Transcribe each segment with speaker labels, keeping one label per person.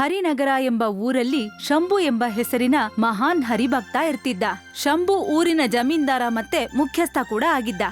Speaker 1: ಹರಿನಗರ ಎಂಬ ಊರಲ್ಲಿ ಶಂಭು ಎಂಬ ಹೆಸರಿನ ಮಹಾನ್ ಹರಿಭಕ್ತ ಇರ್ತಿದ್ದ. ಶಂಭು ಊರಿನ ಜಮೀನ್ದಾರ ಮತ್ತೆ ಮುಖ್ಯಸ್ಥ ಕೂಡ ಆಗಿದ್ದ.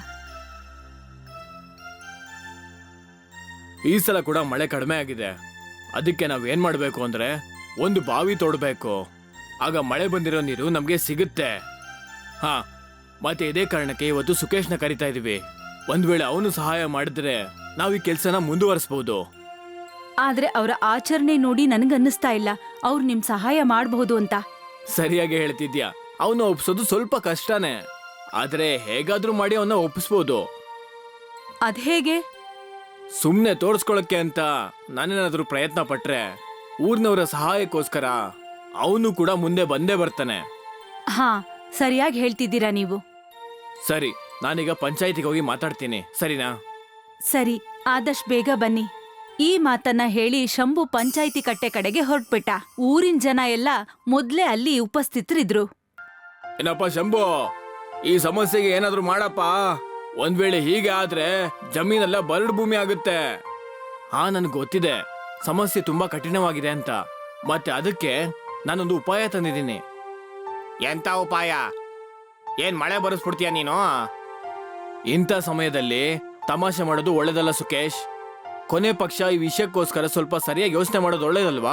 Speaker 2: ಈ ಸಲ ಕೂಡ ಮಳೆ ಕಡಿಮೆ ಆಗಿದೆ. ಅದಕ್ಕೆ ನಾವೇನ್ ಮಾಡ್ಬೇಕು ಅಂದ್ರೆ ಒಂದು ಬಾವಿ ತೋಡ್ಬೇಕು. ಆಗ ಮಳೆ ಬಂದಿರೋ ನೀರು ನಮ್ಗೆ ಸಿಗುತ್ತೆ. ಹಾ, ಮತ್ತೆ ಇದೇ ಕಾರಣಕ್ಕೆ ಇವತ್ತು ಸುಕೇಶ್ನ ಕರಿತಾ ಇದೀವಿ. ಒಂದ್ ವೇಳೆ ಅವನು ಸಹಾಯ ಮಾಡಿದ್ರೆ ನಾವ್ ಈ ಕೆಲ್ಸನ ಮುಂದುವರಿಸಬಹುದು.
Speaker 1: ಆದ್ರೆ ಅವರ ಆಚರಣೆ ನೋಡಿ ನನ್ಗನ್ನಿಸ್ತಾ ಇಲ್ಲ ಅವ್ರು ನಿಮ್ ಸಹಾಯ ಮಾಡಬಹುದು ಅಂತ.
Speaker 2: ಸರಿಯಾಗಿ ಹೇಳ್ತಿದ್ಯಾ. ಅವನು ಒಪ್ಸೋದು ಸ್ವಲ್ಪ ಕಷ್ಟನೇ, ಆದ್ರೆ ಹೇಗಾದ್ರೂ ಮಾಡಿ ಅವನ್ನ ಒಪ್ಪಿಸ್ಬೋದು.
Speaker 1: ಅದ್ಹೇಗೆ?
Speaker 2: ಸುಮ್ನೆ ತೋರ್ಸ್ಕೊಳಕ್ಕೆ ಅಂತ ನಾನೇನಾದ್ರೂ ಪ್ರಯತ್ನ ಪಟ್ರೆ ಊರ್ನವರ ಸಹಾಯಕ್ಕೋಸ್ಕರ ಅವನು ಕೂಡ ಮುಂದೆ ಬಂದೇ ಬರ್ತಾನೆ.
Speaker 1: ಹಾ, ಸರಿಯಾಗಿ ಹೇಳ್ತಿದ್ದೀರಾ ನೀವು.
Speaker 2: ಸರಿ, ನಾನೀಗ ಪಂಚಾಯಿತಿಗೆ ಹೋಗಿ ಮಾತಾಡ್ತೀನಿ, ಸರಿನಾ?
Speaker 1: ಸರಿ, ಆದಷ್ಟು ಬೇಗ ಬನ್ನಿ. ಈ ಮಾತನ್ನ ಹೇಳಿ ಶಂಭು ಪಂಚಾಯಿತಿ ಕಟ್ಟೆ ಕಡೆಗೆ ಹೊರಟ್ಬಿಟ್ಟ. ಊರಿನ ಜನ ಎಲ್ಲ ಮೊದ್ಲೇ ಅಲ್ಲಿ ಉಪಸ್ಥಿತರಿದ್ರು.
Speaker 2: ಏನಪ್ಪ ಶಂಭು, ಈ ಸಮಸ್ಯೆಗೆ ಏನಾದ್ರೂ ಮಾಡಪ್ಪ. ಒಂದ್ ವೇಳೆ ಹೀಗೆ ಆದ್ರೆ ಜಮೀನೆಲ್ಲ ಬರಡು ಭೂಮಿ ಆಗುತ್ತೆ. ಹಾ, ನನ್ಗೆ ಗೊತ್ತಿದೆ ಸಮಸ್ಯೆ ತುಂಬಾ ಕಠಿಣವಾಗಿದೆ ಅಂತ. ಮತ್ತೆ ಅದಕ್ಕೆ ನಾನೊಂದು ಉಪಾಯ ತಂದಿದ್ದೀನಿ. ಎಂತ ಉಪಾಯ? ಏನ್ ಮಳೆ ಬರೆಸ್ಬಿಡ್ತೀಯ ನೀನು? ಇಂಥ ಸಮಯದಲ್ಲಿ ತಮಾಷೆ ಮಾಡೋದು ಒಳ್ಳೇದಲ್ಲ ಸುಕೇಶ್. ಕೊನೆ ಪಕ್ಷ ಈ ವಿಷಯಕ್ಕೋಸ್ಕರ ಸ್ವಲ್ಪ ಸರಿಯಾಗಿ ಯೋಚನೆ ಮಾಡೋದು ಒಳ್ಳೇದಲ್ವಾ?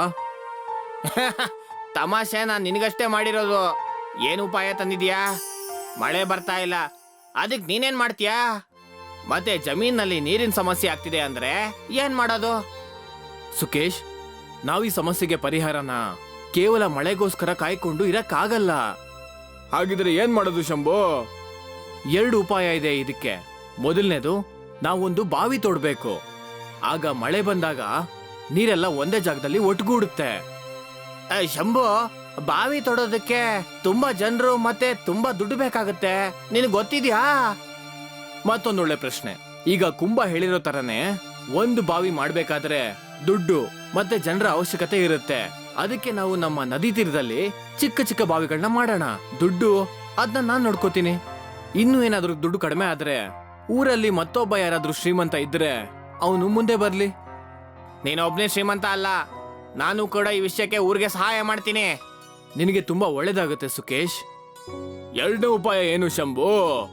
Speaker 2: ತಮಾಷೆ ನಾನು ನಿನಗಷ್ಟೇ ಮಾಡಿರೋದು. ಏನು ಉಪಾಯ ತಂದಿದ್ಯಾ? ಮಳೆ ಬರ್ತಾ ಇಲ್ಲ, ಅದಕ್ಕೆ ನೀನೇನ್ ಮಾಡ್ತೀಯಾ? ಮತ್ತೆ ಜಮೀನಲ್ಲಿ ನೀರಿನ ಸಮಸ್ಯೆ ಆಗ್ತಿದೆ ಅಂದ್ರೆ ಏನ್ ಮಾಡೋದು? ಸುಕೇಶ್, ನಾವು ಈ ಸಮಸ್ಯೆಗೆ ಪರಿಹಾರನ ಕೇವಲ ಮಳೆಗೋಸ್ಕರ ಕಾಯ್ಕೊಂಡು ಇರಕ್ಕಾಗಲ್ಲ. ಹಾಗಿದ್ರೆ ಏನ್ ಮಾಡೋದು ಶಂಭು? 2 ಉಪಾಯ ಇದೆ ಇದಕ್ಕೆ. ಮೊದಲನೇದು, ನಾವೊಂದು ಬಾವಿ ತೋಡ್ಬೇಕು. ಆಗ ಮಳೆ ಬಂದಾಗ ನೀರೆಲ್ಲ ಒಂದೇ ಜಾಗದಲ್ಲಿ ಒಟ್ಟುಗೂಡುತ್ತೆ. ಶಂಭು, ಬಾವಿ ತೋಡೋದಕ್ಕೆ ತುಂಬಾ ಜನರು ಮತ್ತೆ ತುಂಬಾ ದುಡ್ಡು ಬೇಕಾಗುತ್ತೆ, ನಿನಗೆ ಗೊತ್ತಿದ್ಯಾ? ಮತ್ತೊಂದೊಳ್ಳೆ ಪ್ರಶ್ನೆ. ಈಗ ಕುಂಭ ಹೇಳಿರೋ ತರನೇ ಒಂದು ಬಾವಿ ಮಾಡ್ಬೇಕಾದ್ರೆ ದುಡ್ಡು ಮತ್ತೆ ಜನರ ಅವಶ್ಯಕತೆ ಇರುತ್ತೆ. ಅದಕ್ಕೆ ನಾವು ನಮ್ಮ ನದಿ ತೀರದಲ್ಲಿ ಚಿಕ್ಕ ಚಿಕ್ಕ ಬಾವಿಗಳನ್ನ ಮಾಡೋಣ. ದುಡ್ಡು ಅದನ್ನ ನಾನ್ ನೋಡ್ಕೋತೀನಿ. ಇನ್ನು ಏನಾದ್ರೂ ದುಡ್ಡು ಕಡಿಮೆ ಆದ್ರೆ ಊರಲ್ಲಿ ಮತ್ತೊಬ್ಬ ಯಾರಾದ್ರೂ ಶ್ರೀಮಂತ ಇದ್ರೆ ಅವನು ಮುಂದೆ ಬರ್ಲಿ. ನೀನೊಬ್ನೇ ಶ್ರೀಮಂತ ಅಲ್ಲ, ನಾನು ಕೂಡ ಈ ವಿಷಯಕ್ಕೆ ಊರಿಗೆ ಸಹಾಯ ಮಾಡ್ತೀನಿ. ನಿನಗೆ ತುಂಬಾ ಒಳ್ಳೇದಾಗುತ್ತೆ ಸುಕೇಶ್. 2ನೇ ಉಪಾಯ ಏನು ಶಂಭು?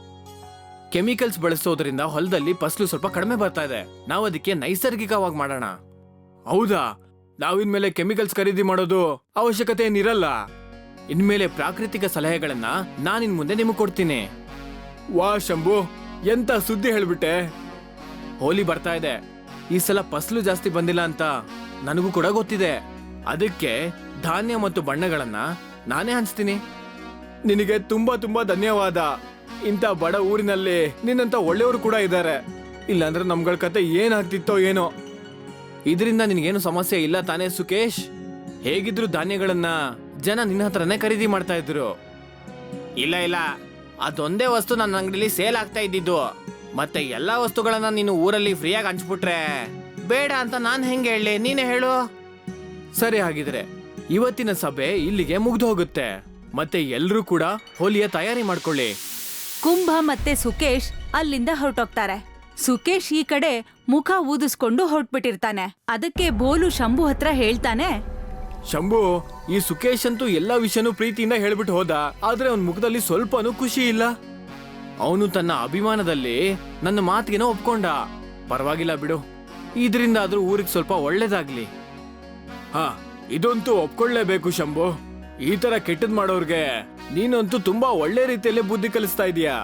Speaker 2: ಕೆಮಿಕಲ್ಸ್ ಬಳಸೋದ್ರಿಂದ ಹೊಲದಲ್ಲಿ ಫಸಲು ಸ್ವಲ್ಪ ಕಡಿಮೆ ಬರ್ತಾ ಇದೆ. ನಾವು ಅದಕ್ಕೆ ನೈಸರ್ಗಿಕವಾಗಿ ಮಾಡೋಣ. ಹೌದಾ? ನಾವಿನ್ಮೇಲೆ ಕೆಮಿಕಲ್ಸ್ ಖರೀದಿ ಮಾಡೋದು ಅವಶ್ಯಕತೆ ಏನಿರಲ್ಲ. ಇನ್ಮೇಲೆ ಪ್ರಾಕೃತಿಕ ಸಲಹೆಗಳನ್ನ ನಾನಿನ್ ಮುಂದೆ ನಿಮಗೆ ಕೊಡ್ತೀನಿ. ವಾ ಶಂಭು, ಎಂತ ಸುದ್ದಿ ಹೇಳ್ಬಿಟ್ಟೆ. ಹೋಲಿ ಬರ್ತಾ ಇದೆ. ಈ ಸಲ ಫಸಲು ಜಾಸ್ತಿ ಬಂದಿಲ್ಲ ಅಂತ ನನಗೂ ಕೂಡ ಗೊತ್ತಿದೆ. ಅದಕ್ಕೆ ಧಾನ್ಯ ಮತ್ತು ಬಣ್ಣಗಳನ್ನ ನಾನೇ ಹಂಚ್ತೀನಿ. ನಿನಗೆ ತುಂಬಾ ತುಂಬಾ ಧನ್ಯವಾದ. ಇಂಥ ಬಡ ಊರಿನಲ್ಲಿ ನಿನ್ನಂತ ಒಳ್ಳೆಯವರು ಕೂಡ ಇದ್ದಾರೆ. ಇಲ್ಲಾಂದ್ರೆ ನಮ್ಗಳ ಕತೆ ಏನಾಗ್ತಿತ್ತೋ ಏನೋ. ಇದರಿಂದ ನಿನಗೇನು ಸಮಸ್ಯೆ ಇಲ್ಲ ತಾನೇ ಸುಕೇಶ್? ಹೇಗಿದ್ರು ಧಾನ್ಯಗಳನ್ನ ಜನ ನಿನ್ನ ಹತ್ರನೇ ಖರೀದಿ ಮಾಡ್ತಾ ಇದ್ರು. ಇಲ್ಲ ಇಲ್ಲ, ಅದೊಂದೇ ವಸ್ತು ನನ್ನ ಅಂಗಡಿಲಿ ಸೇಲ್ ಆಗ್ತಾ ಇದ್ದಿದ್ದು. ಮತ್ತೆ ಎಲ್ಲಾ ವಸ್ತುಗಳನ್ನ ನೀನು ಊರಲ್ಲಿ ಫ್ರೀಯಾಗಿ ಹಂಚ್ಬಿಟ್ರೆ ಬೇಡ ಅಂತ ನಾನು ಹೆಂಗೆ ಹೇಳಿ? ನೀನೇ ಹೇಳು. ಸರಿ, ಹಾಗಿದ್ರೆ ಇವತ್ತಿನ ಸಭೆ ಇಲ್ಲಿಗೆ ಮುಗ್ದು ಹೋಗುತ್ತೆ. ಮತ್ತೆ ಎಲ್ರೂ ಕೂಡ ಹೋಲಿಯ ತಯಾರಿ ಮಾಡ್ಕೊಳ್ಳಿ.
Speaker 1: ಕುಂಭ ಮತ್ತೆ ಸುಕೇಶ್ ಅಲ್ಲಿಂದ ಹೊರಟೋಗ್ತಾರೆ. ಸುಕೇಶ್ ಈ ಕಡೆ ಮುಖ ಊದಿಸ್ಕೊಂಡು ಹೊರಟ್ಬಿಟ್ಟಿರ್ತಾನೆ. ಅದಕ್ಕೆ ಬೋಲು ಶಂಭು ಹತ್ರ ಹೇಳ್ತಾನೆ,
Speaker 2: ಶಂಭು, ಈ ಸುಕೇಶ್ ಅಂತೂ ಎಲ್ಲಾ ವಿಷಯನೂ ಪ್ರೀತಿಯಿಂದ ಹೇಳ್ಬಿಟ್ಟು ಹೋದ. ಆದ್ರೆ ಅವನ ಮುಖದಲ್ಲಿ ಸ್ವಲ್ಪನೂ ಖುಷಿ ಇಲ್ಲ. ಅವನು ತನ್ನ ಅಭಿಮಾನದಲ್ಲಿ ನನ್ನ ಮಾತಿಗೆನೋ ಒಪ್ಕೊಂಡ. ಪರವಾಗಿಲ್ಲ ಬಿಡು, ಇದರಿಂದ ಆದ್ರೂ ಊರಿಗೆ ಸ್ವಲ್ಪ ಒಳ್ಳೇದಾಗ್ಲಿ. ಹಾ, ಇದಂತೂ ಒಪ್ಕೊಳ್ಳೇಬೇಕು ಶಂಭು. ಈ ತರ ಕೆಟ್ಟದ್ ಮಾಡೋರ್ಗೆ ನೀನಂತೂ ತುಂಬಾ ಒಳ್ಳೆ ರೀತಿಯಲ್ಲಿ ಬುದ್ಧಿ ಕಲಿಸ್ತಾ ಇದೀಯಾ.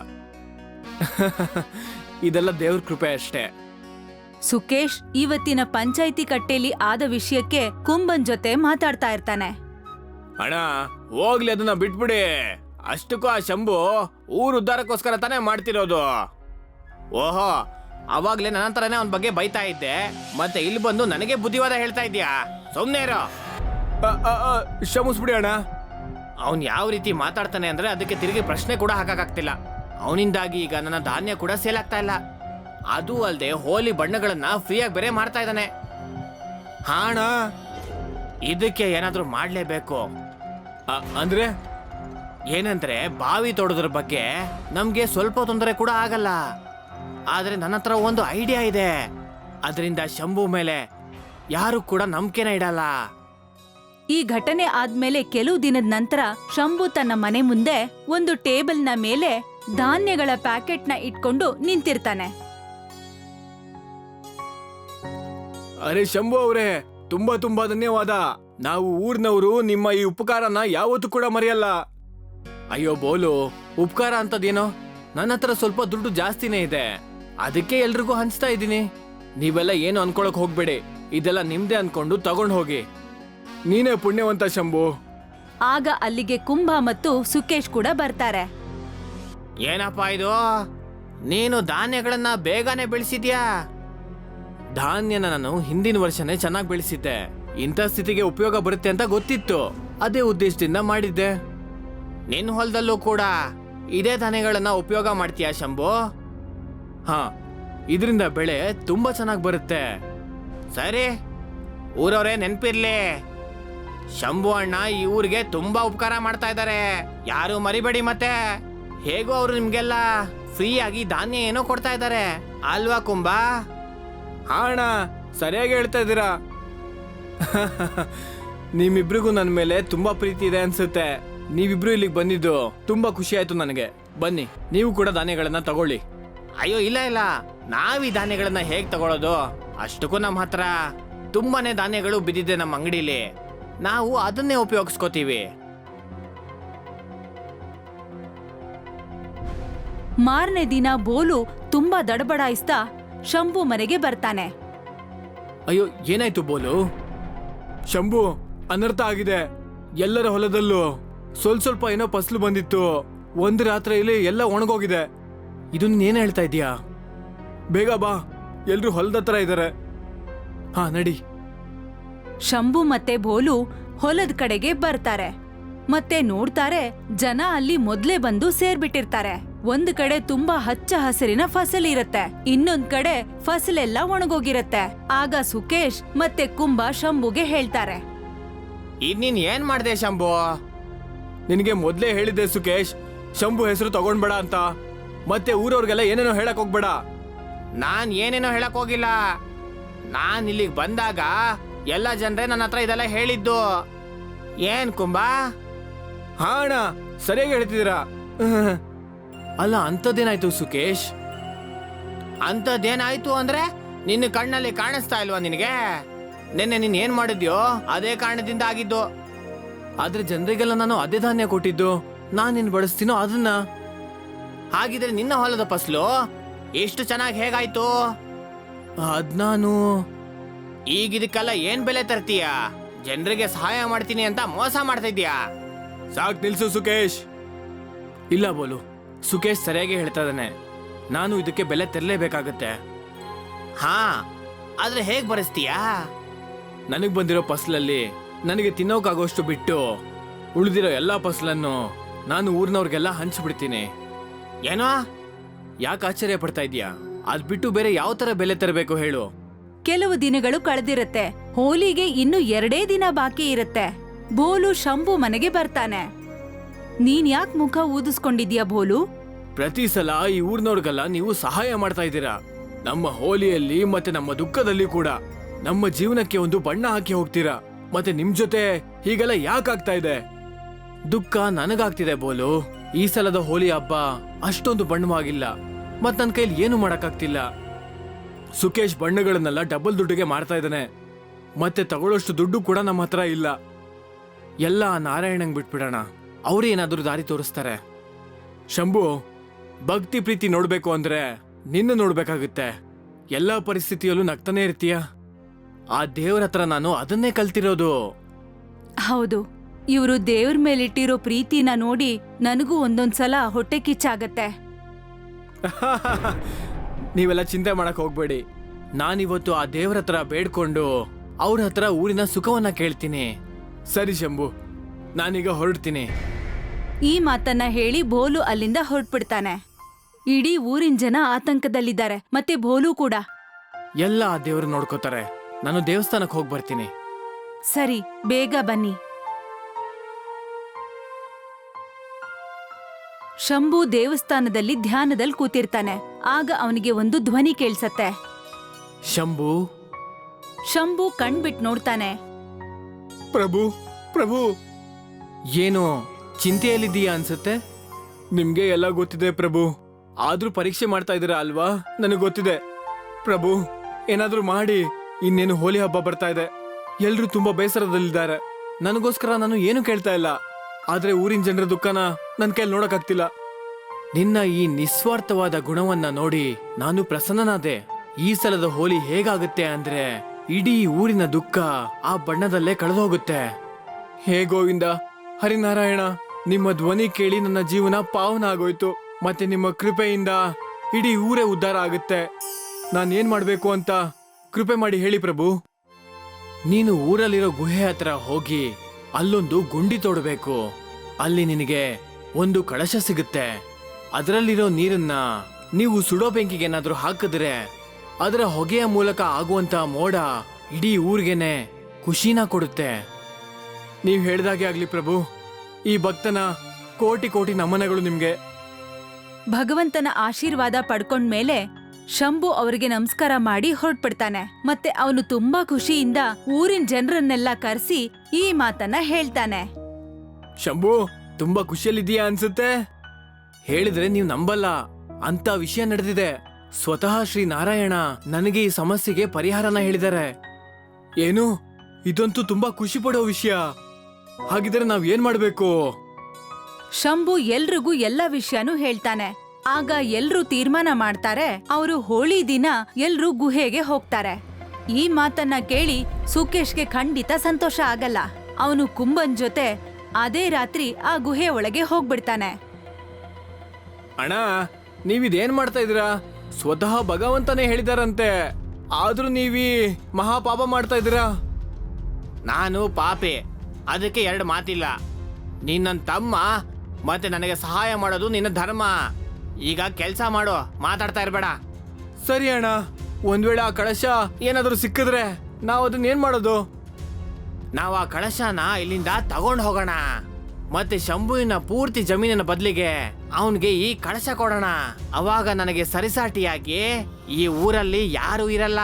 Speaker 2: ಇದೆಲ್ಲ ದೇವ್ರ ಕೃಪೆ ಅಷ್ಟೇ.
Speaker 1: ಸುಕೇಶ್ ಇವತ್ತಿನ ಪಂಚಾಯಿತಿ ಕಟ್ಟೆಲಿ ಆದ ವಿಷಯಕ್ಕೆ ಕುಂಭನ್ ಜೊತೆ ಮಾತಾಡ್ತಾ ಇರ್ತಾನೆ.
Speaker 2: ಅಣ್ಣ, ಹೋಗ್ಲಿ, ಅದನ್ನ ಬಿಟ್ಬಿಡಿ. ಅಷ್ಟಕ್ಕೂ ಆ ಶಂಭು ಊರು ಉದ್ಧಾರಕ್ಕೋಸ್ಕರ ತಾನೇ ಮಾಡ್ತಿರೋದು. ಓಹೋ, ಅವಾಗ್ಲೇ ನನ್ನ ತರನೇ ಅವನ ಬಗ್ಗೆ ಬೈತಾ ಇದ್ದೆ, ಮತ್ತೆ ಇಲ್ಲಿ ಬಂದು ನನಗೆ ಬುದ್ಧಿವಾದ ಹೇಳ್ತಾ ಇದ್ಯಾ? ಸುಮ್ನೆ ಇರೋ. ಕ್ಷಮಿಸ್ಬಿಡಿ ಅಣ್ಣ. ಅವನ್ ಯಾವ ರೀತಿ ಮಾತಾಡ್ತಾನೆ ಅಂದ್ರೆ ಅದಕ್ಕೆ ತಿರುಗಿ ಪ್ರಶ್ನೆ ಕೂಡ ಹಾಕಕ್ಕಾಗ್ತಿಲ್ಲ. ಅವನಿಂದಾಗಿ ಈಗ ನನ್ನ ಧಾನ್ಯ ಕೂಡ ಸೇಲ್ ಆಗ್ತಾ ಇಲ್ಲ. ಅದು ಅಲ್ಲದೆ ಹೋಲಿ ಬಣ್ಣಗಳನ್ನ ಫ್ರೀಯಾಗಿ ಬೇರೆ ಮಾಡ್ತಾ ಇದ್ದಾನೆ. ಹಾಣ, ಇದಕ್ಕೆ ಏನಾದ್ರೂ ಮಾಡ್ಲೇಬೇಕು. ಅಂದ್ರೆ ಏನಂದ್ರೆ ಬಾವಿ ತೋಡೋದ್ರ ಬಗ್ಗೆ ನಮ್ಗೆ ಸ್ವಲ್ಪ ತೊಂದರೆ ಕೂಡ ಆಗಲ್ಲ. ಆದ್ರೆ ನನ್ನ ಹತ್ರ ಒಂದು ಐಡಿಯಾ ಇದೆ. ಅದರಿಂದ ಶಂಭು ಮೇಲೆ ಯಾರು ಕೂಡ ನಂಬಿಕೆನ ಇಡಲ್ಲ.
Speaker 1: ಈ ಘಟನೆ ಆದ್ಮೇಲೆ ಕೆಲವು ದಿನದ ನಂತರ ಶಂಭು ತನ್ನ ಮನೆ ಮುಂದೆ ಒಂದು ಟೇಬಲ್ನ ಮೇಲೆ ಧಾನ್ಯಗಳ ಪ್ಯಾಕೆಟ್ನ ಇಟ್ಕೊಂಡು ನಿಂತಿರ್ತಾನೆ.
Speaker 3: ಅರೆ ಶಂಭು ಅವರೇ, ತುಂಬಾ ತುಂಬಾ ಧನ್ಯವಾದ. ನಾವು ಊರ್ನವರು ನಿಮ್ಮ ಈ ಉಪಕಾರನ ಯಾವತ್ತೂ ಕೂಡ ಮರೆಯಲ್ಲ. ಅಯ್ಯೋ ಬೋಲು, ಉಪಕಾರ ಅಂತದೇನೋ, ನನ್ನ ಹತ್ರ ಸ್ವಲ್ಪ ದುಡ್ಡು ಜಾಸ್ತಿನೇ ಇದೆ, ಅದಕ್ಕೆ ಎಲ್ರಿಗೂ ಹಂಚ್ತಾ ಇದ್ದೀನಿ. ನೀವೆಲ್ಲ ಏನು ಅನ್ಕೊಳಕ್ ಹೋಗ್ಬೇಡಿ, ಇದೆಲ್ಲ ನಿಮ್ದೇ ಅನ್ಕೊಂಡು ತಗೊಂಡ್ ಹೋಗಿ. ನೀನೇ ಪುಣ್ಯವಂತ ಶಂಭು.
Speaker 1: ಆಗ ಅಲ್ಲಿಗೆ ಕುಂಭ ಮತ್ತು ಸುಕೇಶ್ ಕೂಡ ಬರ್ತಾರೆ.
Speaker 2: ಏನಪ್ಪ ಇದು, ನೀನು ಧಾನ್ಯಗಳನ್ನ ಬೇಗನೆ ಬೆಳೆಸಿದ್ಯಾ?
Speaker 3: ಧಾನ್ಯನ ನಾನು ಹಿಂದಿನ ವರ್ಷನೇ ಚೆನ್ನಾಗಿ ಬೆಳೆಸಿದ್ದೆ. ಇಂಥ ಸ್ಥಿತಿಗೆ ಉಪಯೋಗ ಬರುತ್ತೆ ಅಂತ ಗೊತ್ತಿತ್ತು, ಅದೇ ಉದ್ದೇಶದಿಂದ ಮಾಡಿದ್ದೆ.
Speaker 2: ನಿನ್ನ ಹೊಲದಲ್ಲೂ ಕೂಡ ಇದೇ ಧಾನ್ಯಗಳನ್ನ ಉಪಯೋಗ ಮಾಡ್ತೀಯಾ ಶಂಭು?
Speaker 3: ಹಾ, ಇದರಿಂದ ಬೆಳೆ ತುಂಬಾ ಚೆನ್ನಾಗಿ ಬರುತ್ತೆ.
Speaker 2: ಸರಿ, ಊರವರೇ ನೆನ್ಪಿರ್ಲಿ, ಶಂಭು ಅಣ್ಣ ಈ ಊರಿಗೆ ತುಂಬಾ ಉಪಕಾರ ಮಾಡ್ತಾ ಇದ್ದಾರೆ, ಯಾರು ಮರಿಬೇಡಿ. ಮತ್ತೆ ಹೇಗೋ ಅವರು ನಿಮ್ಗೆಲ್ಲ ಫ್ರೀ ಆಗಿ ಧಾನ್ಯ ಏನೋ ಕೊಡ್ತಾ ಇದ್ದಾರೆ ಅಲ್ವಾ ಕುಂಭ?
Speaker 3: ಹಾ ಅಣ್ಣ, ಸರಿಯಾಗಿ ಹೇಳ್ತಾ ಇದ್ದೀರಾ. ನಿಮ್ಮಿಬ್ರಿಗೂ ನನ್ನ ಮೇಲೆ ತುಂಬಾ ಪ್ರೀತಿ ಇದೆ ಅನ್ಸುತ್ತೆ. ನೀವಿಬ್ರು ಇಲ್ಲಿಗೆ ಬಂದಿದ್ದು ತುಂಬಾ ಖುಷಿ ಆಯ್ತು ನನಗೆ. ಬನ್ನಿ, ನೀವು ಕೂಡ ಧಾನ್ಯಗಳನ್ನ ತಗೊಳ್ಳಿ.
Speaker 2: ಅಯ್ಯೋ ಇಲ್ಲ ಇಲ್ಲ, ನಾವ್ ಈ ಧಾನ್ಯಗಳನ್ನ ಹೇಗ್ ತಗೊಳ್ಳೋದು? ಅಷ್ಟಕ್ಕೂ ನಮ್ಮ ಹತ್ರ ತುಂಬಾನೇ ಧಾನ್ಯಗಳು ಬಿದ್ದಿದೆ ನಮ್ಮ ಅಂಗಡಿಲಿ, ನಾವು ಅದನ್ನೇ ಉಪಯೋಗಿಸ್ಕೋತೀವಿ.
Speaker 1: ಮಾರನೇ ದಿನ ಬೋಲು ತುಂಬಾ ದಡಬಡಾಯಿಸ್ತಾ ಶಂಭು ಮನೆಗೆ ಬರ್ತಾನೆ.
Speaker 3: ಅಯ್ಯೋ, ಏನಾಯ್ತು ಬೋಲು? ಶಂಭು, ಅನರ್ಥ ಆಗಿದೆ. ಎಲ್ಲರ ಹೊಲದಲ್ಲೂ ಸ್ವಲ್ಪ ಏನೋ ಫಸಲು ಬಂದಿತ್ತು, ಒಂದು ರಾತ್ರಿಯಲ್ಲಿ ಎಲ್ಲ ಒಣಗೋಗಿದೆ. ಇದನ್ನ ಏನ್ ಹೇಳ್ತಾ ಇದೀಯಾ? ಬೇಗ ಬಾ, ಎಲ್ರು ಹೊಲದ ಹತ್ರ ಇದ್ದಾರೆ. ಹಾ ನಡಿ.
Speaker 1: ಶಂಭು ಮತ್ತೆ ಬೋಲು ಹೊಲದ ಕಡೆಗೆ ಬರ್ತಾರೆ. ಮತ್ತೆ ನೋಡ್ತಾರೆ, ಜನ ಅಲ್ಲಿ ಮೊದ್ಲೇ ಬಂದು ಸೇರ್ಬಿಟ್ಟಿರ್ತಾರೆ. ಒಂದ್ ಕಡೆ ತುಂಬಾ ಹಚ್ಚ ಹಸಿರಿನ ಫಸಲ್ ಇರತ್ತೆ, ಇನ್ನೊಂದ್ ಕಡೆ ಫಸಲೆಲ್ಲ ಒಣಗೋಗಿರತ್ತೆ. ಆಗ ಸುಕೇಶ್ ಮತ್ತೆ ಕುಂಭ ಶಂಭುಗೆ ಹೇಳ್ತಾರೆ,
Speaker 2: ಇದ್ ನೀನ್ ಏನ್ ಮಾಡ್ದೆ ಶಂಭು?
Speaker 3: ನಿನಗೆ ಮೊದ್ಲೇ ಹೇಳಿದ್ದೆ ಸುಕೇಶ್, ಶಂಭು ಹೆಸರು ತಗೊಂಡ್ಬೇಡ ಅಂತ. ಮತ್ತೆ ಊರವ್ರಿಗೆಲ್ಲ ಏನೇನೋ ಹೇಳಕ್ ಹೋಗ್ಬೇಡ.
Speaker 2: ನಾನ್ ಏನೇನೋ ಹೇಳಕ್ ಹೋಗಿಲ್ಲ. ನಾನ್ ಇಲ್ಲಿಗೆ ಬಂದಾಗ ಎಲ್ಲ ಜನರೇ ನನ್ನ ಹತ್ರ ಇದೆಲ್ಲ ಹೇಳಿದ್ದು. ಏನ್ ಕುಂಭ?
Speaker 3: ಹಾ ಅಣ್ಣ, ಸರಿಯಾಗಿ ಹೇಳ್ತಿದ್ದೀರಾ. ಅಲ್ಲ, ಅಂಥದ್ದೇನಾಯ್ತು ಸುಕೇಶ್?
Speaker 2: ಅಂಥದ್ದೇನಾಯ್ತು ಅಂದ್ರೆ ನಿನ್ನ ಕಣ್ಣಲ್ಲಿ ಕಾಣಿಸ್ತಾ ಇಲ್ವಾ ನಿನಗೆ? ನಿನ್ನೆ ನೀನ್ ಏನ್ ಮಾಡಿದ್ಯೋ ಅದೇ ಕಾರಣದಿಂದ ಆಗಿದ್ದು.
Speaker 3: ಆದ್ರೆ ಜನರಿಗೆಲ್ಲ ನಾನು ಅದೇ ಧಾನ್ಯ ಕೊಟ್ಟಿದ್ದು, ನಾನ್ ಏನ್ ಬಳಸ್ತೀನೋ ಅದನ್ನ.
Speaker 2: ಹಾಗಿದ್ರೆ ನಿನ್ನ ಹೊಲದ ಫಸಲು ಎಷ್ಟು ಚೆನ್ನಾಗಿ ಹೇಗಾಯ್ತು?
Speaker 3: ಅದ್ ನಾನು
Speaker 2: ಈಗ ಇದಕ್ಕೆಲ್ಲ ಏನ್ ಬೆಲೆ ತರ್ತೀಯ? ಜನರಿಗೆ ಸಹಾಯ ಮಾಡ್ತೀನಿ ಅಂತ ಮೋಸ ಮಾಡ್ತಾ ಇದ್ಯಾ?
Speaker 3: ಸಾಕ್ ನಿಲ್ಸು ಸುಕೇಶ್. ಇಲ್ಲ ಬೋಲು, ಸುಕೇಶ್ ಸರಿಯಾಗಿ ಹೇಳ್ತಾ ಇದ್ದಾನೆ. ನಾನು ಇದಕ್ಕೆ ಬೆಲೆ ತೆರಲೇಬೇಕಾಗತ್ತೆ.
Speaker 2: ಹಾ, ಆದ್ರೆ ಹೇಗ್ ಬರೆಸ್ತೀಯಾ?
Speaker 3: ನನಗ್ ಬಂದಿರೋ ಫಸಲಲ್ಲಿ ನನಗೆ ತಿನ್ನೋಕಾಗೋಷ್ಟು ಬಿಟ್ಟು ಉಳಿದಿರೋ ಎಲ್ಲಾ ಫಸಲನ್ನು ನಾನು ಊರಿನವ್ರಿಗೆಲ್ಲ ಹಂಚ್ಬಿಡ್ತೀನಿ.
Speaker 2: ಏನೋ?
Speaker 3: ಯಾಕೆ ಆಶ್ಚರ್ಯ ಪಡ್ತಾ ಇದೀಯಾ? ಅದ್ ಬಿಟ್ಟು ಬೇರೆ ಯಾವ ತರ ಬೆಲೆ ತರಬೇಕು ಹೇಳು?
Speaker 1: ಕೆಲವು ದಿನಗಳು ಕಳೆದಿರತ್ತೆ. ಹೋಲಿಗೆ ಇನ್ನು 2 ದಿನ ಬಾಕಿ ಇರತ್ತೆ. ಬೋಲು ಶಂಭು ಮನೆಗೆ ಬರ್ತಾನೆ. ನೀನ್ ಯಾಕೆ ಮುಖ ಊದಿಸ್ಕೊಂಡಿದ್ಯಾ ಬೋಲು?
Speaker 3: ಪ್ರತಿ ಸಲ ಈ ಊರಿನವ್ರಿಗೆಲ್ಲ ನೀವು ಸಹಾಯ ಮಾಡ್ತಾ ಇದ್ದೀರಾ. ನಮ್ಮ ಹೋಲಿಯಲ್ಲಿ ಮತ್ತೆ ನಮ್ಮ ದುಃಖದಲ್ಲಿ ಕೂಡ ನಮ್ಮ ಜೀವನಕ್ಕೆ ಒಂದು ಬಣ್ಣ ಹಾಕಿ ಹೋಗ್ತೀರಾ. ಮತ್ತೆ ನಿಮ್ ಜೊತೆ ಹೀಗೆಲ್ಲ ಯಾಕಾಗ್ತಾ ಇದೆ? ದುಃಖ ನನಗಾಗ್ತಿದೆ ಬೋಲು. ಈ ಸಲದ ಹೋಲಿ ಹಬ್ಬ ಅಷ್ಟೊಂದು ಬಣ್ಣವಾಗಿಲ್ಲ, ಮತ್ ನನ್ ಕೈಲಿ ಏನು ಮಾಡಕ್ಕಾಗ್ತಿಲ್ಲ. ಸುಕೇಶ್ ಬಣ್ಣಗಳನ್ನೆಲ್ಲ ಡಬಲ್ ದುಡ್ಡಿಗೆ ಮಾರ್ತಾ ಇದ್ದಾನೆ, ಮತ್ತೆ ತಗೊಳ್ಳೋಷ್ಟು ದುಡ್ಡು ಕೂಡ ನಮ್ಮ ಹತ್ರ ಇಲ್ಲ. ಎಲ್ಲ ನಾರಾಯಣಂಗ್ ಬಿಟ್ಬಿಡೋಣ, ಅವ್ರು ಏನಾದ್ರೂ ದಾರಿ ತೋರಿಸ್ತಾರೆ. ಶಂಭು, ಭಕ್ತಿ ಪ್ರೀತಿ ನೋಡ್ಬೇಕು ಅಂದ್ರೆ ನಿನ್ನ ನೋಡ್ಬೇಕಾಗುತ್ತೆ. ಎಲ್ಲಾ ಪರಿಸ್ಥಿತಿಯಲ್ಲೂ ನಗ್ತಾನೆ ಇರ್ತೀಯ. ಆ ದೇವ್ರ ಹತ್ರ ನಾನು ಅದನ್ನೇ ಕಲ್ತಿರೋದು.
Speaker 1: ಹೌದು, ಇವ್ರು ದೇವ್ರ ಮೇಲಿಟ್ಟಿರೋ ಪ್ರೀತಿನ ನೋಡಿ ನನಗೂ ಒಂದೊಂದ್ಸಲ ಹೊಟ್ಟೆ ಕಿಚ್ಚಾಗತ್ತೆ.
Speaker 3: ನೀವೆಲ್ಲ ಚಿಂತೆ ಮಾಡಕ್ ಹೋಗ್ಬೇಡಿ. ನಾನಿವತ್ತು ಆ ದೇವ್ರ ಹತ್ರ ಬೇಡ್ಕೊಂಡು ಅವ್ರ ಹತ್ರ ಊರಿನ ಸುಖವನ್ನ ಕೇಳ್ತೀನಿ. ಸರಿ ಶಂಭು, ನಾನೀಗ ಹೊರಡ್ತೀನಿ.
Speaker 1: ಈ ಮಾತನ್ನ ಹೇಳಿ ಬೋಲು ಅಲ್ಲಿಂದ ಹೊರಟ್ಬಿಡ್ತಾನೆ. ಇಡೀ ಊರಿನ ಜನ ಆತಂಕದಲ್ಲಿದ್ದಾರೆ, ಮತ್ತೆ ಬೋಲು ಕೂಡ.
Speaker 3: ಎಲ್ಲ ಆ ದೇವ್ರು ನೋಡ್ಕೋತಾರೆ. ನಾನು ದೇವಸ್ಥಾನಕ್ಕೆ ಹೋಗಿ ಬರ್ತೀನಿ.
Speaker 1: ಸರಿ, ಬೇಗ ಬನ್ನಿ. ಶಂಭು ದೇವಸ್ಥಾನದಲ್ಲಿ ಧ್ಯಾನದಲ್ಲಿ ಕೂತಿರ್ತಾನೆ. ಆಗ ಅವನಿಗೆ ಒಂದು ಧ್ವನಿ ಕೇಳ್ಸತ್ತೆ.
Speaker 3: ಶಂಭು.
Speaker 1: ಶಂಭು ಕಣ್ಬಿಟ್ ನೋಡ್ತಾನೆ.
Speaker 3: ಪ್ರಭು, ಪ್ರಭು ಏನು ಚಿಂತೆಯಲ್ಲಿದ್ದೀಯಾ ಅನ್ಸುತ್ತೆ? ನಿಮ್ಗೆ ಎಲ್ಲ ಗೊತ್ತಿದೆ ಪ್ರಭು, ಆದ್ರೂ ಪರೀಕ್ಷೆ ಮಾಡ್ತಾ ಇದ್ದೀರಾ ಅಲ್ವಾ? ನನಗೆ ಗೊತ್ತಿದೆ ಪ್ರಭು, ಏನಾದ್ರೂ ಮಾಡಿ. ಇನ್ನೇನು ಹೋಲಿ ಹಬ್ಬ ಬರ್ತಾ ಇದೆ, ಎಲ್ರೂ ತುಂಬಾ ಬೇಸರದಲ್ಲಿದ್ದಾರೆ. ನನಗೋಸ್ಕರ ನಾನು ಏನು ಕೇಳ್ತಾ ಇಲ್ಲ, ಆದ್ರೆ ಊರಿನ ಜನರ ದುಃಖನ ನನ್ ಕೈಲಿ ನೋಡಕ್ಕಾಗ್ತಿಲ್ಲ. ನಿನ್ನ ಈ ನಿಸ್ವಾರ್ಥವಾದ ಗುಣವನ್ನ ನೋಡಿ ನಾನು ಪ್ರಸನ್ನನಾದೆ. ಈ ಸಲದ ಹೋಲಿ ಹೇಗಾಗುತ್ತೆ ಅಂದ್ರೆ ಇಡೀ ಊರಿನ ದುಃಖ ಆ ಬಣ್ಣದಲ್ಲೇ ಕಳೆದೋಗುತ್ತೆ. ಹೇ ಗೋವಿಂದ, ಹರಿನಾರಾಯಣ, ನಿಮ್ಮ ಧ್ವನಿ ಕೇಳಿ ನನ್ನ ಜೀವನ ಪಾವನ ಆಗೋಯ್ತು. ಮತ್ತೆ ನಿಮ್ಮ ಕೃಪೆಯಿಂದ ಇಡೀ ಊರೇ ಉದ್ಧಾರ ಆಗುತ್ತೆ. ನಾನೇನ್ ಮಾಡ್ಬೇಕು ಅಂತ ಕೃಪೆ ಮಾಡಿ ಹೇಳಿ ಪ್ರಭು. ನೀನು ಊರಲ್ಲಿರೋ ಗುಹೆ ಹತ್ರ ಹೋಗಿ ಅಲ್ಲೊಂದು ಗುಂಡಿ ತೋಡಬೇಕು. ಅಲ್ಲಿ ನಿನಗೆ ಒಂದು ಕಳಶ ಸಿಗುತ್ತೆ. ಅದರಲ್ಲಿರೋ ನೀರನ್ನ ನೀವು ಸುಡೋ ಬೆಂಕಿಗೆ ಏನಾದ್ರೂ ಹಾಕಿದ್ರೆ ಅದರ ಹೊಗೆಯ ಮೂಲಕ ಆಗುವಂತ ಮೋಡ ಇಡೀ ಊರಿಗೆನೆ ಖುಷಿನ ಕೊಡುತ್ತೆ. ನೀವು ಹೇಳ್ದಾಗೆ ಆಗ್ಲಿ ಪ್ರಭು. ಈ ಭಕ್ತನ ಕೋಟಿ ಕೋಟಿ ನಮನಗಳು ನಿಮ್ಗೆ.
Speaker 1: ಭಗವಂತನ ಆಶೀರ್ವಾದ ಪಡ್ಕೊಂಡ್ಮೇಲೆ ಶಂಭು ಅವರಿಗೆ ನಮಸ್ಕಾರ ಮಾಡಿ ಹೊರಟ್ಬಿಡ್ತಾನೆ. ಮತ್ತೆ ಅವನು ತುಂಬಾ ಖುಷಿಯಿಂದ ಊರಿನ ಜನರನ್ನೆಲ್ಲ ಕರೆಸಿ ಈ ಮಾತನ್ನ ಹೇಳ್ತಾನೆ.
Speaker 3: ಶಂಭು, ತುಂಬಾ ಖುಷಿಯಲ್ಲಿದ್ದೀಯಾ ಅನ್ಸುತ್ತೆ. ಹೇಳಿದ್ರೆ ನೀವು ನಂಬಲ್ಲ, ಅಂತ ವಿಷಯ ನಡೆದಿದೆ. ಸ್ವತಃ ಶ್ರೀ ನಾರಾಯಣ ನನಗೆ ಈ ಸಮಸ್ಯೆಗೆ ಪರಿಹಾರನ ಹೇಳಿದ್ದಾರೆ. ಏನು? ಇದಂತೂ ತುಂಬಾ ಖುಷಿ ಪಡೋ ವಿಷಯ. ಹಾಗಿದ್ರೆ ನಾವ್ ಏನ್ ಮಾಡ್ಬೇಕು?
Speaker 1: ಶಂಭು ಎಲ್ರಿಗೂ ಎಲ್ಲ ವಿಷಯನೂ ಹೇಳ್ತಾನೆ. ಆಗ ಎಲ್ರೂ ತೀರ್ಮಾನ ಮಾಡ್ತಾರೆ, ಅವರು ಹೋಳಿ ದಿನ ಎಲ್ರೂ ಗುಹೆಗೆ ಹೋಗ್ತಾರೆ. ಈ ಮಾತನ್ನ ಕೇಳಿ ಸುಕೇಶ್ಗೆ ಖಂಡಿತ ಸಂತೋಷ ಆಗಲ್ಲ. ಅವನು ಕುಂಭನ್ ಜೊತೆ ಅದೇ ರಾತ್ರಿ ಆ ಗುಹೆ ಒಳಗೆ ಹೋಗ್ಬಿಡ್ತಾನೆ.
Speaker 3: ಅಣ್ಣ, ನೀವಿದೇನ್ ಮಾಡ್ತಾ ಇದೀರಾ? ಸ್ವತಃ ಭಗವಂತನೇ ಹೇಳಿದಾರಂತೆ, ಆದ್ರೂ ನೀವೀ ಮಹಾಪಾಪ ಮಾಡ್ತಾ ಇದೀರಾ.
Speaker 2: ನಾನು ಪಾಪಿ, ಅದಕ್ಕೆ ಎರಡು ಮಾತಿಲ್ಲ. ನೀನ್ ನನ್ನ ತಮ್ಮ, ಮತ್ತೆ ನನಗೆ ಸಹಾಯ ಮಾಡೋದು ನಿನ್ನ ಧರ್ಮ. ಈಗ ಕೆಲಸ ಮಾಡು, ಮಾತಾಡ್ತಾ ಇರ್ಬೇಡ.
Speaker 3: ಸರಿ ಅಣ್ಣ, ಒಂದ್ ವೇಳೆ ಆ ಕಳಶ ಏನಾದ್ರೂ ಸಿಕ್ಕಿದ್ರೆ ನಾವ್ ಅದನ್ನ ಏನ್ ಮಾಡೋದು?
Speaker 2: ನಾವು ಆ ಕಳಶನ ಇಲ್ಲಿಂದ ತಗೊಂಡು ಹೋಗೋಣ. ಮತ್ತೆ ಶಂಭುವಿನ ಪೂರ್ತಿ ಜಮೀನಿನ ಬದಲಿಗೆ ಅವನಿಗೆ ಈ ಕಳಶ ಕೊಡೋಣ. ಅವಾಗ ನನಗೆ ಸರಿಸಾಟಿಯಾಗಿ ಈ ಊರಲ್ಲಿ ಯಾರೂ ಇರಲ್ಲ.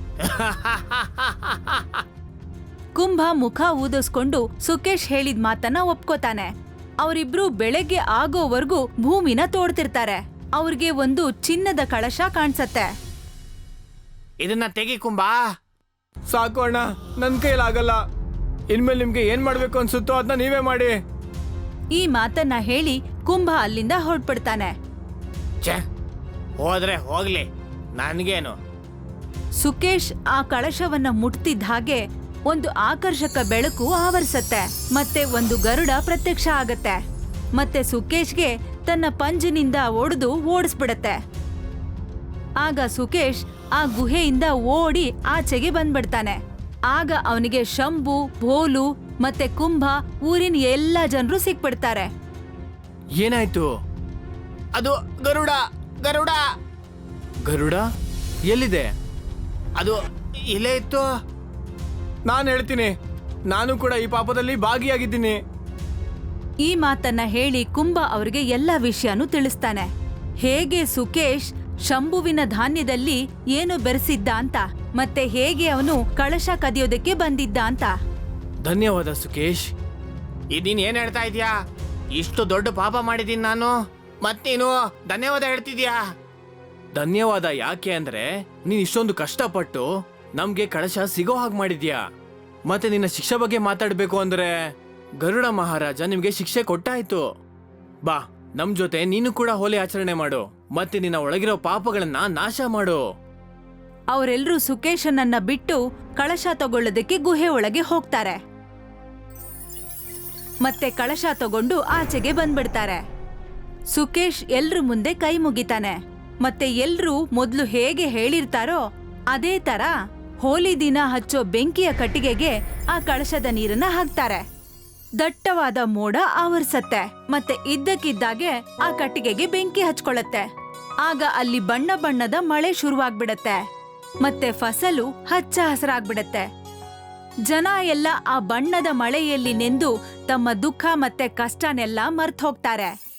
Speaker 1: ಕುಂಭ ಮುಖ ಊದಿಸ್ಕೊಂಡು ಸುಕೇಶ್ ಹೇಳಿದ ಮಾತನ್ನ ಒಪ್ಕೋತಾನೆ. ಅವರಿಬ್ರು ಬೆಳಗ್ಗೆ ಆಗೋವರೆಗೂ ಭೂಮಿನ ತೋಡ್ತಿರ್ತಾರೆ. ಅವ್ರಿಗೆ ಒಂದು ಚಿನ್ನದ ಕಳಶ ಕಾಣ್ಸತ್ತೆ.
Speaker 2: ಇದನ್ನ ತೆಗಿ ಕುಂಬ.
Speaker 3: ಸಾಕು ಅಣ್ಣ, ನನ್ ಕೈಲಾಗಲ್ಲ. ಇನ್ಮೇಲೆ ನಿಮ್ಗೆ ಏನ್ ಮಾಡ್ಬೇಕು ಅನ್ಸುತ್ತೋ ಅದನ್ನ ನೀವೇ ಮಾಡಿ.
Speaker 1: ಈ ಮಾತನ್ನ ಹೇಳಿ ಕುಂಭ ಅಲ್ಲಿಂದ ಹೊರಟ್ಬಿಡ್ತಾನೆ.
Speaker 2: ಛೆ, ಹೋದ್ರೆ ಹೋಗ್ಲಿ, ನನ್ಗೇನು.
Speaker 1: ಸುಕೇಶ್ ಆ ಕಳಶವನ್ನ ಮುಟ್ತಿದ್ದ ಹಾಗೆ ಒಂದು ಆಕರ್ಷಕ ಬೆಳಕು ಆವರಿಸತ್ತೆ. ಮತ್ತೆ ಒಂದು ಗರುಡ ಪ್ರತ್ಯಕ್ಷ ಆಗತ್ತೆ. ಮತ್ತೆ ಸುಕೇಶ್ಗೆ ತನ್ನ ಪಂಜಿನಿಂದ ಒಡೆದು ಓಡಿಸ್ಬಿಡತ್ತೆ. ಆಗ ಸುಕೇಶ್ ಆ ಗುಹೆಯಿಂದ ಓಡಿ ಆಚೆಗೆ ಬಂದ್ಬಿಡ್ತಾನೆ. ಆಗ ಅವನಿಗೆ ಶಂಭು, ಭೋಲು ಮತ್ತೆ ಕುಂಭ, ಊರಿನ ಎಲ್ಲಾ ಜನರು ಸಿಕ್ಬಿಡ್ತಾರೆ.
Speaker 3: ಏನಾಯ್ತು?
Speaker 2: ಅದು ಗರುಡ. ಗರುಡ
Speaker 3: ಗರುಡ ಎಲ್ಲಿದೆ?
Speaker 2: ಅದು ಇಲ್ಲೇ ಇತ್ತು.
Speaker 3: ನಾನು ಹೇಳ್ತೀನಿ, ನಾನು ಕೂಡ ಈ ಪಾಪದಲ್ಲಿ ಭಾಗಿಯಾಗಿದ್ದೀನಿ.
Speaker 1: ಈ ಮಾತನ್ನ ಹೇಳಿ ಕುಂಭ ಅವರಿಗೆ ಎಲ್ಲ ವಿಷಯನೂ ತಿಳಿಸ್ತಾನೆ. ಹೇಗೆ ಸುಕೇಶ್ ಶಂಭುವಿನ ಧಾನ್ಯದಲ್ಲಿ ಏನು ಬೆರೆಸಿದ್ದ ಅಂತ, ಮತ್ತೆ ಹೇಗೆ ಅವನು ಕಳಶ ಕದಿಯೋದಕ್ಕೆ ಬಂದಿದ್ದ ಅಂತ.
Speaker 3: ಧನ್ಯವಾದ ಸುಕೇಶ್.
Speaker 2: ನೀನ್ ಏನ್ ಹೇಳ್ತಾ ಇದೀಯಾ? ಇಷ್ಟು ದೊಡ್ಡ ಪಾಪ ಮಾಡಿದೀನಿ ನಾನು, ಮತ್ತೇನು ಧನ್ಯವಾದ ಹೇಳ್ತಿದ್ಯಾ?
Speaker 3: ಧನ್ಯವಾದ ಯಾಕೆ ಅಂದ್ರೆ ನೀನ್ ಇಷ್ಟೊಂದು ಕಷ್ಟಪಟ್ಟು ನಮ್ಗೆ ಕಳಶ ಸಿಗೋ ಹಾಗೆ ಮಾಡಿದ್ಯಾ. ಮತ್ತೆ ನಿನ್ನ ಶಿಕ್ಷೆ ಬಗ್ಗೆ ಮಾತಾಡ್ಬೇಕು ಅಂದ್ರೆ ಗರುಡ ಮಹಾರಾಜ ನಿಮ್ಗೆ ಶಿಕ್ಷೆ ಕೊಟ್ಟಾಯ್ತು. ಬಾ, ನಮ್ ಜೊತೆ ನೀನು ಕೂಡ ಹೋಲಿ ಆಚರಣೆ ಮಾಡು. ಮತ್ತೆ ನಿನ್ನ ಒಳಗಿರೋ ಪಾಪಗಳನ್ನ ನಾಶ ಮಾಡು.
Speaker 1: ಅವರೆಲ್ಲರೂ ಸುಕೇಶನನ್ನ ಬಿಟ್ಟು ಕಳಶ ತಗೊಳ್ಳೋದಕ್ಕೆ ಗುಹೆ ಒಳಗೆ ಹೋಗ್ತಾರೆ. ಮತ್ತೆ ಕಳಶ ತಗೊಂಡು ಆಚೆಗೆ ಬಂದ್ಬಿಡ್ತಾರೆ. ಸುಕೇಶ್ ಎಲ್ರ ಮುಂದೆ ಕೈ ಮುಗಿತಾನೆ. ಮತ್ತೆ ಎಲ್ರೂ ಮೊದ್ಲು ಹೇಗೆ ಹೇಳಿರ್ತಾರೋ ಅದೇ ತರ ಹೋಲಿ ದಿನ ಹಚ್ಚೋ ಬೆಂಕಿಯ ಕಟ್ಟಿಗೆಗೆ ಆ ಕಳಶದ ನೀರನ್ನ ಹಾಕ್ತಾರೆ. ದಟ್ಟವಾದ ಮೋಡ ಆವರಿಸತ್ತೆ. ಮತ್ತೆ ಇದ್ದಕ್ಕಿದ್ದಾಗೆ ಆ ಕಟ್ಟಿಗೆಗೆ ಬೆಂಕಿ ಹಚ್ಕೊಳ್ಳತ್ತೆ. ಆಗ ಅಲ್ಲಿ ಬಣ್ಣ ಬಣ್ಣದ ಮಳೆ ಶುರುವಾಗ್ಬಿಡತ್ತೆ. ಮತ್ತೆ ಫಸಲು ಹಚ್ಚ ಹಸಿರಾಗ್ಬಿಡತ್ತೆ. ಜನ ಎಲ್ಲ ಆ ಬಣ್ಣದ ಮಳೆಯಲ್ಲಿ ನೆಂದು ತಮ್ಮ ದುಃಖ ಮತ್ತೆ ಕಷ್ಟನೆಲ್ಲ ಮರ್ತ್ ಹೋಗ್ತಾರೆ.